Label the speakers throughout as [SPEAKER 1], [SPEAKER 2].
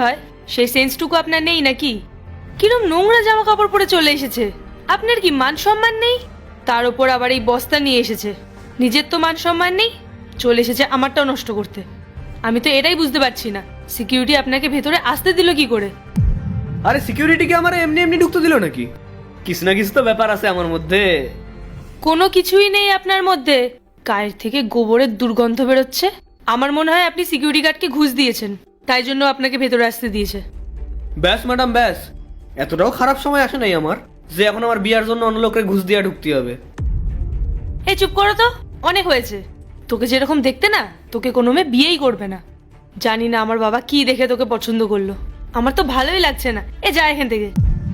[SPEAKER 1] হয় সেই সেন্সটুকু আপনার নেই নাকি? কিরম নোংরা জামা কাপড় পরে চলে এসেছে। আপনার কি মান সম্মান নেই? তার উপর আবার এই বস্তা নিয়ে এসেছে। নিজের তো মান সম্মান নেই, চলে এসেছে আমারটাও নষ্ট করতে। আমি তো এটাই বুঝতে পারছি না, সিকিউরিটি আপনাকে ভেতরে আসতে দিল কি করে?
[SPEAKER 2] আরে সিকিউরিটি কি আমার এমনি এমনি ঢুকতে দিল নাকি? কিছু না কিছু তো ব্যাপার আছে আমার মধ্যে।
[SPEAKER 1] কোনো কিছুই নেই আপনার মধ্যে। গায়ের থেকে গোবরের দুর্গন্ধ বেরোচ্ছে। আমার মনে হয় আপনি সিকিউরিটি গার্ডকে ঘুষ দিয়েছেন, তাই জন্য আপনাকে ভেতরে আসতে দিয়েছে।
[SPEAKER 2] ব্যাস ম্যাডাম ব্যাস, এতটাও খারাপ সময় আসে নাই আমার যে এখন আমার বিয়ার জন্য অন্য লোকের ঘুষ দিয়ে ঢুকতে হবে।
[SPEAKER 1] এই চুপ করো তো, অনেক হয়েছে। তোকে যেরকম দেখতে না, তোকে কোনো মেয়ে বিয়েই করবে না। জানি না আমার বাবা কি দেখে তোকে পছন্দ করলো। আমার তো ভালোই লাগছে না। এ যা এখান থেকে।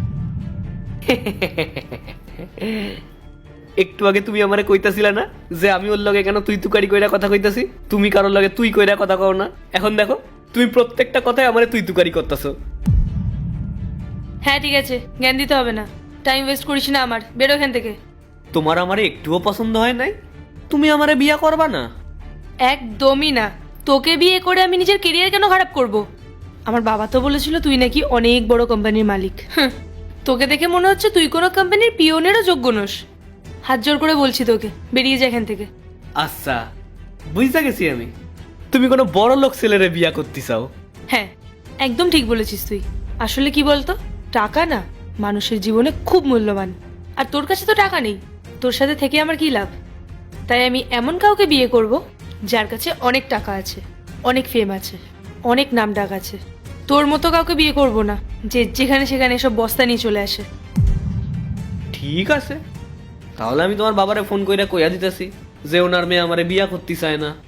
[SPEAKER 2] একটু আগে তুমি আমারে কইতাছিলা না যে আমি ওর লগে কেন তুই তুকারি কইরা কথা কইতাছি, তুমি কারোর লগে তুই কইরা কথা কও না। এখন দেখো তুমি প্রত্যেকটা কথায় আমারে তুই তুকারি করতেছো।
[SPEAKER 1] হ্যাঁ ঠিক আছে, জ্ঞান দিতে হবে না। টাইম ওয়েস্ট করিস না আমার, বেরো এখান থেকে।
[SPEAKER 2] তোমার আমারে একটুও পছন্দ হয় নাই? তুমি আমারে বিয়া করবা না?
[SPEAKER 1] একদমই না। তোকে বিয়ে করে আমি নিজের কেরিয়ার কেন খারাপ করব? আমার বাবা তো বলেছিল তুই নাকি অনেক বড় কোম্পানির মালিক। তোকে দেখে মনে হচ্ছে তুই কোনো কোম্পানির পিওনেরও যোগ্য নোস। হাত জোর করে বলছি তোকে, বেরিয়ে যা এখান থেকে।
[SPEAKER 2] আচ্ছা, বুঝতে গেছি আমি। তুমি কোনো বড় লোক ছেলেরে বিয়া করতে চাও?
[SPEAKER 1] হ্যাঁ, একদম ঠিক বলেছিস তুই। আসলে কি বলতো, টাকা না মানুষের জীবনে খুব মূল্যবান। আর তোর কাছে তো টাকা নেই, তোর সাথে থেকে আমার কি লাভ? তাই আমি এমন কাউকে বিয়ে করব যার কাছে অনেক টাকা আছে, অনেক ফেম আছে, অনেক নাম ডাক আছে। তোর মতো কাউকে বিয়ে করব না যে যেখানে সেখানে এসব বস্তা নিয়ে চলে আসে।
[SPEAKER 2] ঠিক আছে, তাহলে আমি তোমার বাবারে ফোন কইরা কইয়া দিতেছি যে ওনার মেয়ে আমারে বিয়া করতে চায় না।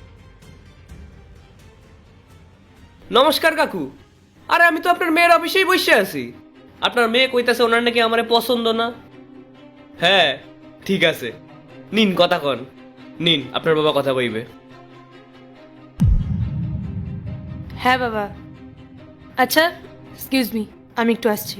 [SPEAKER 2] নমস্কার কাকু। আরে আমি তো আপনার মেয়ের অফিসেই বসে আছি। আপনার মেয়ে কইতাছে ওনার নাকি আমারে পছন্দ না। হ্যাঁ ঠিক আছে, নিন কথা কন, নিন আপনার বাবা কথা কইবে।
[SPEAKER 1] হ্যাঁ বাবা। আচ্ছা এক্সকিউজ মি, আমি একটু আসছি।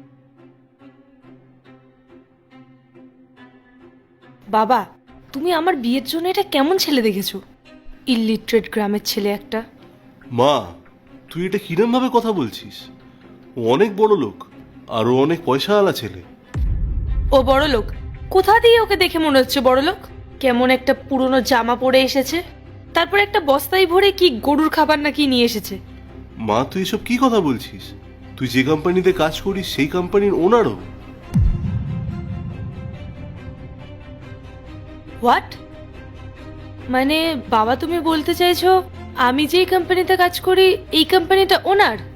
[SPEAKER 1] বাবা, তুমি আমার বিয়ের জন্য এটা কেমন ছেলে দেখেছো? ইলিটারেট গ্রামের ছেলে একটা।
[SPEAKER 3] মা, তুই এটা কিরম ভাবে কথা বলছিস? ও অনেক বড় লোক, আরো অনেক পয়সাওয়ালা ছেলে।
[SPEAKER 1] ও বড় লোক? কোথা দিয়ে ওকে দেখে মনে হচ্ছে বড় লোক? কেমন একটা পুরনো জামা পরে এসেছে, তারপর একটা বস্তায় ভরে কি গরুর খাবার নাকি নিয়ে এসেছে।
[SPEAKER 3] মা, তুই এসব কি কথা বলছিস? তুই যে কোম্পানিতে কাজ করিস সেই কোম্পানির ওনারও।
[SPEAKER 1] হোয়াট? মানে বাবা, তুমি বলতে চাইছো আমি যেই কোম্পানিতে কাজ করি এই কোম্পানিটা ওনার?